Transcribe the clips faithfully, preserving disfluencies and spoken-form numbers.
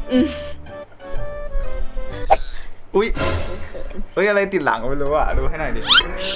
อืมอุ้ยเฮ้ยอะไรติดหลังก็ไม่รู้อ่ะดูให้หน่อยดิ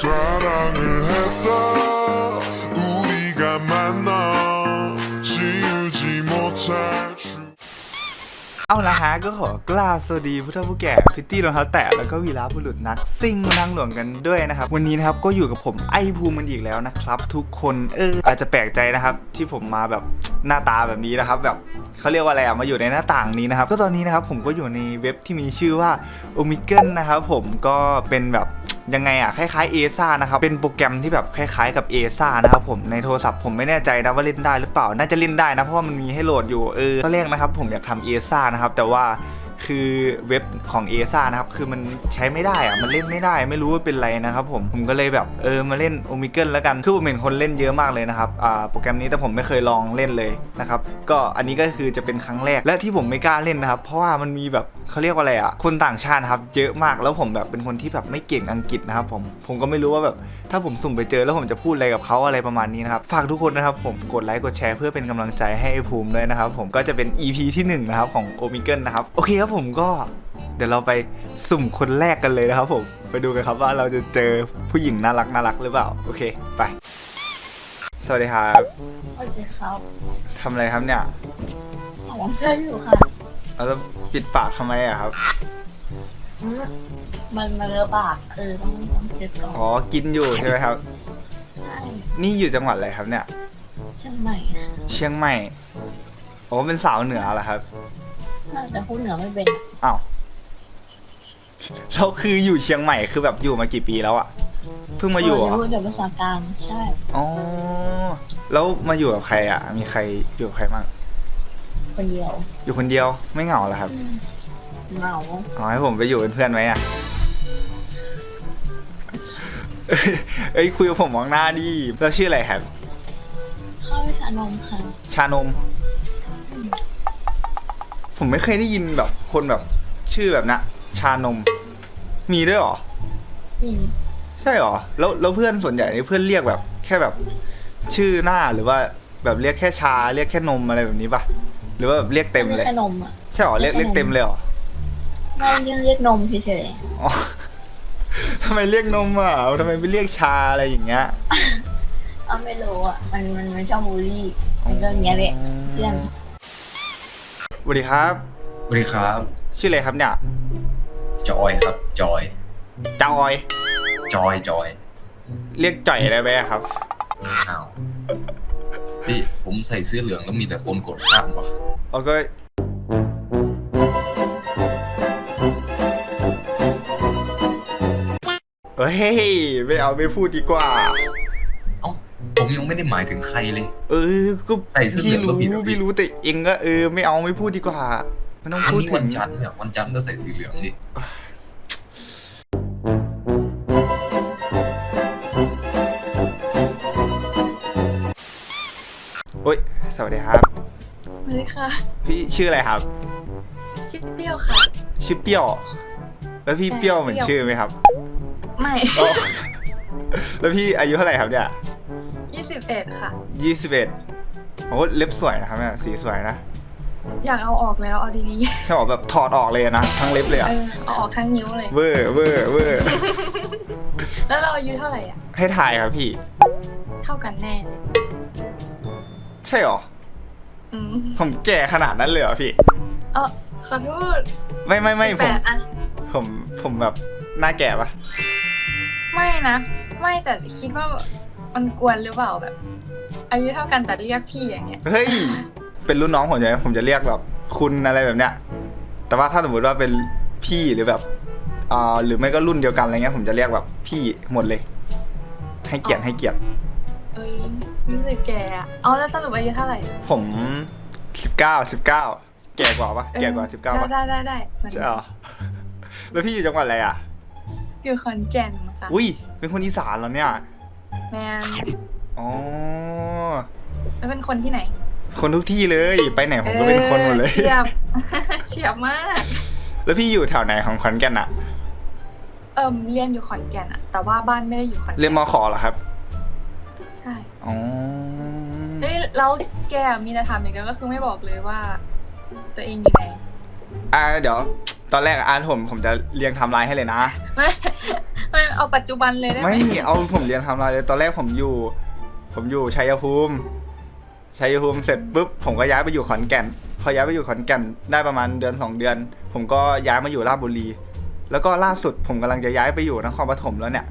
เอาละฮะก็ขอกล่าวสวัสดีผู้เฒ่าผู้แก่พิตตี้รองเท้าแตะแล้วก็วีรบุรุษนักซิ่งนั่งหลวงกันด้วยนะครับวันนี้นะครับก็อยู่กับผมไอภูมิมันอีกแล้วนะครับทุกคนเอออาจจะแปลกใจนะครับที่ผมมาแบบหน้าตาแบบนี้นะครับแบบเขาเรียกว่าอะไรอะมาอยู่ในหน้าต่างนี้นะครับก็ตอนนี้นะครับผมก็อยู่ในเว็บที่มีชื่อว่าโอมิเกิลนะครับผมก็เป็นแบบยังไงอะคล้ายๆ เอ เอส เอ นะครับเป็นโปรแกรมที่แบบคล้ายๆกับ เอ เอส เอ นะครับผมในโทรศัพท์ผมไม่แน่ใจนะว่าเล่นได้หรือเปล่าน่าจะเล่นได้นะเพราะว่ามันมีให้โหลดอยู่เออตอนแรกนะครับผมอยากทำ เอ เอส เอ นะครับแต่ว่าคือเว็บของ เอ เอส เอ นะครับคือมันใช้ไม่ได้อะมันเล่นไม่ได้ไม่รู้ว่าเป็นไรนะครับผมผมก็เลยแบบเออมาเล่น Omegle แล้วกันคือผมเห็นคนเล่นเยอะมากเลยนะครับอ่าโปรแกรมนี้แต่ผมไม่เคยลองเล่นเลยนะครับก็อันนี้ก็คือจะเป็นครั้งแรกและที่ผมไม่กล้าเล่นนะครับเพราะว่ามันมีแบบเขาเรียกว่าอะไรอ่ะคนต่างชาติครับเยอะมากแล้วผมแบบเป็นคนที่แบบไม่เก่งอังกฤษนะครับผมผมก็ไม่รู้ว่าแบบถ้าผมสุ่มไปเจอแล้วผมจะพูดอะไรกับเขาอะไรประมาณนี้นะครับฝากทุกคนนะครับผมกดไลค์กดแชร์เพื่อเป็นกำลังใจให้ไอ้ภูมิด้วยนะครับผมก็จะเป็น อี พี ที่หนึ่งนะครับของ Omegle นะครับโอเคครับผมก็เดี๋ยวเราไปสุ่มคนแรกกันเลยนะครับผมไปดูกันครับว่าเราจะเจอผู้หญิงน่ารักน่ารักหรือเปล่าโอเคไปสวัสดีครับสวัสดีครับทำอะไรครับเนี่ยหอมใจอยู่ค่ะเราจะปิดปากทำไมอะครับอืมมันมาเลอะปากเออต้องต้องเก็บก่อนอ๋อกินอยู่ใช่ไหมครับใช่นี่อยู่จังหวัดอะไรครับเนี่ยเชียงใหม่นะเชียงใหม่โอ้เป็นสาวเหนือเหรอครับน่าจะพูดเหนือไม่เป็นอ้าวเราคืออยู่เชียงใหม่คือแบบอยู่มากี่ปีแล้วอะเพิ่งมาอยู่เหรอจะพูดแบบภาษากลางใช่อ๋อแล้วมาอยู่กับใครอะมีใครอยู่กับใครบ้างคนเดียวอยู่คนเดียวไม่เหงาเหรอครับเหงาอ๋อให้ผมไปอยู่เป็นเพื่อนไหมอะเอ้ยคุยกับผมมองหน้าดิแล้วชื่ออะไรครับข้าวชานมค่ะชานมผมไม่เคยได้ยินแบบคนแบบชื่อแบบนะชานมมีด้วยเหรอมีใช่เหรอแล้วแล้วเพื่อนส่วนใหญ่นี่เพื่อนเรียกแบบแค่แบบชื่อหน้าหรือว่าแบบเรียกแค่ชาเรียกแค่นมอะไรแบบนี้ปะหรือว่าแบบเรียกเต็มเลยไม่ใช่นมอ่ะใช่เหรอเรียกเรียกเต็มเลยเหรอไม่เรียกเรียกนมเฉยอ๋อทำไมเรียกนมอ่ะทำไมไม่เรียกชาอะไรอย่างเงี้ยๆเอาไม่รู้อ่ะมันมันมันชอบบูลลี่มันก็อย่างเงี้ยแหละเพื่อนสวัสดีครับสวัสดีครับชื่ออะไรครับเนี่ยจอยครับจอยจอยจอยจอยเรียกจ่อยได้ไหมครับอ้าวพี่ผมใส่เสื้อเหลืองแล้วมีแต่คนกดข้ามวะโอเคเฮ้ยไม่เอาไม่พูดดีกว่าเอ้าผมยังไม่ได้หมายถึงใครเลยเออก็ใส่เสื้อเหลืพี่องก็รู้ผิดอะพี่พี่รู้แต่เองก็เออไม่เอาไม่พูดดีกว่าไม่ต้องวันพูดนี้ถึวันงจันทร์เนี่ยวันจันทร์ก็ใส่สีเหลืองดิโอ๊ยสวัสดีครับสวัสดีค่ะพี่ชื่ออะไรครับชื่อเปรี้ยวค่ะชื่อเปรี้ยวแล้วพี่เปรี้ยวเหมือนชื่อไหมครับไม่อ๋อแล้วพี่อายุเท่าไหร่ครับเนี่ยยี่สิบเอ็ดค่ะยี่สิบเอ็ดโอ้เล็บสวยนะครับเนี่ยสีสวยนะอยากเอาออกแล้วเอาดีแค่บอกแบบถอดออกเลยนะทั้งเล็บเลยๆอะเออเอาออกทั้งนิ้วเลยเวอร์เวอร์เวอร์แล้วเราอายุเท่าไหร่อ่ะให้ถ่ายครับพี่เท่ากันแน่เลยใช่หรออืมผมแก่ขนาดนั้นเลยเหรอพี่เออขอโทษไม่ไม่ไม่ผมอะผมผมแบบหน้าแก่ปะไม่นะไม่แต่คิดว่ามันกวนหรือเปล่าแบบ อายุเท่ากันแต่เรียกพี่อย่างเงี้ยเฮ้ยเป็นรุ่นน้องผมจะผมจะเรียกแบบคุณอะไรแบบเนี้ยแต่ว่าถ้าสมมติว่าเป็นพี่หรือแบบอ่าหรือไม่ก็รุ่นเดียวกันอะไรเงี้ยผมจะเรียกแบบพี่หมดเลย ให้เกียรติให้เกียรติเอ้ยรู้สึกแก่อะเอาแล้วสรุปอายุเท่าไหร่ผมสิบเก้าสิบเก้าแก่กว่าปะแก่กว่าสิบเก้าปะได้ได้ได้ใช่หรอแล้วพี่อยู่จังหวัดอะไรอ่ะอยู่ขอนแก่นนะคะอุ้ยเป็นคนอีสานเหรอเนี่ยแมนอ๋อแล้วเป็นคนที่ไหนคนทุกที่เลยไปไหนผมก็เป็นคนหมดเลยเฉียบเฉียบมากแล้วพี่อยู่แถวไหนของขอนแก่นอะเอิมเรียนอยู่ขอนแก่นอะแต่ว่าบ้านไม่ได้อยู่ขอนแก่นเรียนมขเหรอครับใช่อ๋อเฮ้ยแล้วแกมีแต่ถามอย่างเดียวก็คือไม่บอกเลยว่าตัวเองอยู่ไหนอ่าเดี๋ยวตอนแรกอ่านผมผมจะเรียงไทม์ไลน์ให้เลยนะไม่ไม่เอาปัจจุบันเลยได้ไหมไม่เอาผมเรียนไทม์ไลน์เลยตอนแรกผมอยู่ ผมอยู่ชัยภูมิชัยภูมิเสร็จปุ๊บผมก็ย้ายไปอยู่ขอนแก่นพอย้ายไปอยู่ขอนแก่นได้ประมาณเดือนสองเดือน ผมก็ย้ายมาอยู่ราชบุรี แล้วก็ล่าสุดผมกำลังจะย้ายไปอยู่นครปฐมแล้วเนี่ย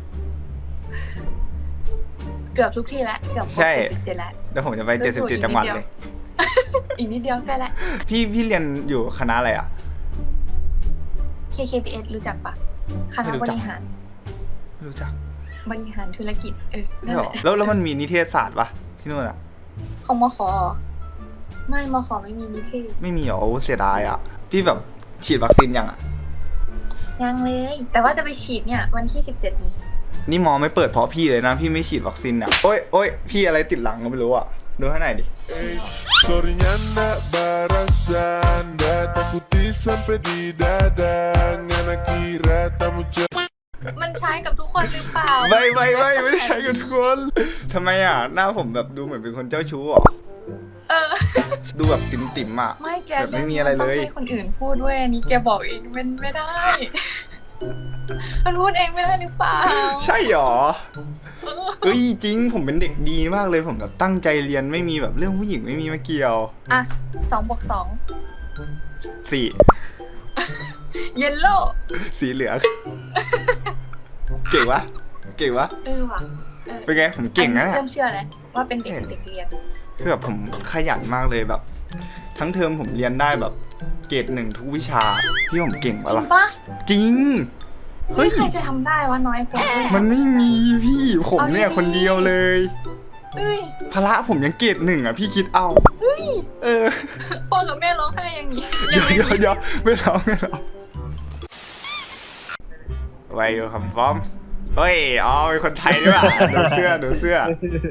เกือบทุกที่แล้วเกือบครบใช่เจ็ดสิบเจ็ดแล้วเดี๋ยวผมจะไปเจ็ดสิบเจ็ดจังหวัดเลยอีกนิดเดียวใกล้ละพี่พี่เรียนอยู่คณะอะไรอ่ะเค เค พี เอส รู้จักปะคณะไม่รู้บจักริหารไม่รู้จักบริหารธุรกิจเออไม่นั่นหรแหอละแล้วแล้วมันมีนิเทศศาสตร์ปะที่นู่นอ่ะของมขไม่มขไม่มีนิเทศไม่มีเหรอโอ้เสียดายอ่ะพี่แบบฉีดวัคซีนยังอ่ะยังเลย แต่ว่าจะไปฉีดเนี่ยวันที่สิบเจ็ดนี้นี่มอไม่เปิดเพราะพี่เลยนะพี่ไม่ฉีดวัคซีนอ่ะโอ๊ยโอ๊ยพี่อะไรติดหลังก็ไม่รู้อ่ะดูให้หน่อยดิ Sorrynya ndak barasan Ndak takuti sampai di dada Ngana kira tamu cewek มันใช้กับทุกคนหรือเปล่าไม่ไม่ไม่ไม่ได้ใช้กับทุกคนทำไมอ่ะหน้าผมแบบดูเหมือนเป็นคนเจ้าชู้เหรอเออดูแบบติ่มติ่มๆอ่ะไม่แกแบบไม่มีอะไรเลยต้องให้คนอื่นพูดด้วยอันนี้แกบอกเองมันไม่ได้ มันพูดเองไม่ได้หรือเปล่าใช่หรอเออเอ้ยจริงผมเป็นเด็กดีมากเลยผมแบบตั้งใจเรียนไม่มีแบบเรื่องผู้หญิงไม่มีมาเกี่ยวอ่ะสองบวกสองสี่เยลโล่สีเหลืองเก่งวะเก่งวะเออว่ะออเป็นไงผมเก่งนะอัเนี่ยเริ่มเชื่อเลยว่าเป็นเด็กเด็กเรียนคือแบบผมขยันมากเลยแบบ ทั้งเทอมผมเรียนได้แบบเกรดหนึ่งทุกวิชาพี่ผมเก่งจปะริงล่ะปะจริงเฮ้เฮ้ยยใครจะทำได้วะน้อยคนด้วยมันไม่มีพี่ผมเนี่ยเอาดีๆคนเดียวเลยเฮ้ยพละผมยังเกรดหนึ่งอ่ะพี่คิดเอาเออพ่อกับแม่ร้องไห้อย่างนี้เดี๋ยัยวงไม่เดี๋ยวมีเดี๋ยวไม่ร้องไม่ร้องไวอยู่คำฟ้อมเฮ้ยอ๋อเป็นคนไทยด้วยอ่ะดูเสื้อดูเสื้อ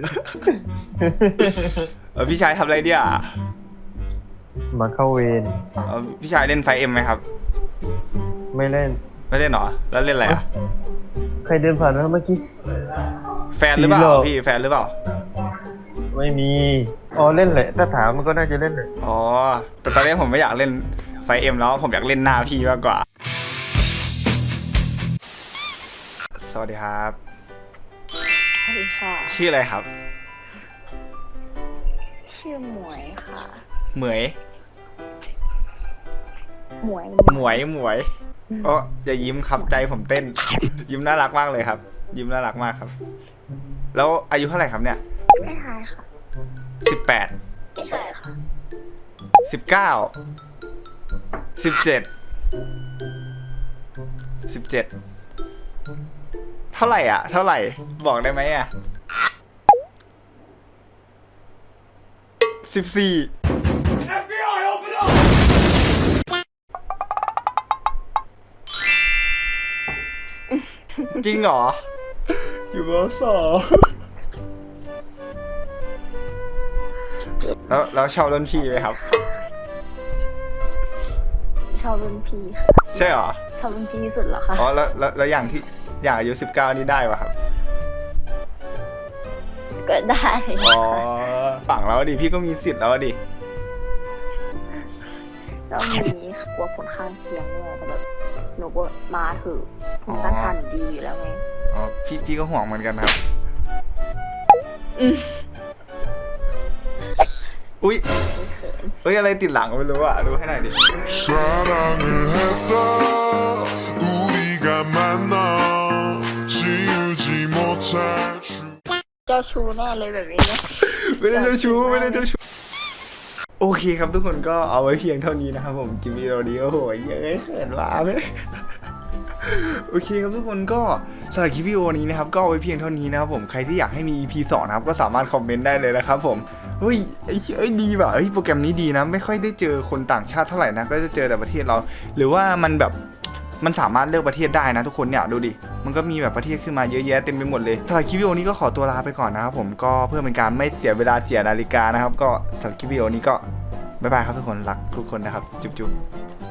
เออพี่ชายทำอะไรเนี่ยมาเข้าเวรเออพี่ชายเล่นไฟเอ็มไหมครับไม่เล่นไม่เล่นเหรอแล้วเล่นอะไรอ่ะใครเดินผ่านมาเมื่อกี้แฟนหรือเปล่าผีหลอกพี่แฟนหรือเปล่าไม่มี อ๋อเล่นแหละ ถ้าถามมันก็น่าจะเล่นแหละอ๋อแต่ตอนนี้ผมไม่อยากเล่นไฟเอ็มแล้วผมอยากเล่นหน้าพี่มากกว่า สวัสดีครับสวัสดีค่ะชื่ออะไรครับชื่อหมวยค่ะเหมยหมวยหมวยหมวยโอ้อย่ายิ้มครับใจผมเต้น ยิ้มน่ารักมากเลยครับ ยิ้มน่ารักมากครับ แล้วอายุเท่าไหร่ครับเนี่ยไม่ทายค่ะสิบแปดไม่ใช่ค่ะสิบเก้าสิบเจ็ดสิบเจ็ดเท่าไหร่อ่ะ เท่าไหร่บอกได้ไหมอ่ะสิบสี่จริงเหรอ อยู่มสองแล้วแล้วชอบรุ่นพี่ไหมครับชอบรุ่นพี่ค่ะใช่เหรอชอบรุ่นพี่ที่สุดเหรอคะอ๋อแล้วแล้วแล้วอย่างที่อย่างอายุสิบเก้านี่ได้ป่ะครับก็ได้อ๋อฝั่งแล้วดิพี่ก็มีสิทธิ์แล้วดิแล้วมีกลัวผลข้างเคียงด้วยแต่แบบหนูก็มาเถอะภูมิต้านทานหนูดีอยู่แล้วไงอ๋อพี่พี่ก็ห่วงเหมือนกันครับอืมอุ้ยไม่เขินเอ้ยอะไรติดหลังก็ไม่รู้อ่ะดูให้หน่อยดิ 사랑을 했다 우리가 만나 지우지 못할 추 เจ้าชู้แน่เลยแบบนี้เนี่ยไม่ได้เจ้าชู้ไม่ได้เจ้าชู้โอเคครับทุกคนก็เอาไว้เพียงเท่านี้นะครับผมจิมมี่โรดีโอ้โหเยอะเขินว้าไหมโอเคครับทุกคนก็สำหรับคลิปวิดีโอนี้นะครับก็เอาไว้เพียงเท่านี้นะครับผมใครที่อยากให้มี อี พี สองนะครับก็สามารถคอมเมนต์ได้เลยนะครับผมเฮ้ยไอ้เอ้ยดีว่ะเฮ้ยโปรแกรมนี้ดีนะไม่ค่อยได้เจอคนต่างชาติเท่าไหร่นะก็จะเจอแต่ประเทศเรา หรือว่ามันแบบมันสามารถเลือกประเทศได้นะทุกคนเนี่ยดูดิมันก็มีแบบประเทศขึ้นมาเยอะแยะเต็มไปหมดเลยสำหรับคลิปวิดีโอนี้ก็ขอตัวลาไปก่อนนะครับผมก็เพื่อเป็นการไม่เสียเวลาเสียนาฬิกานะครับก็สำหรับคลิปวิดีโอนี้ก็บ๊ายบายครับทุกคนรักทุกคนนะครับจุ๊บๆ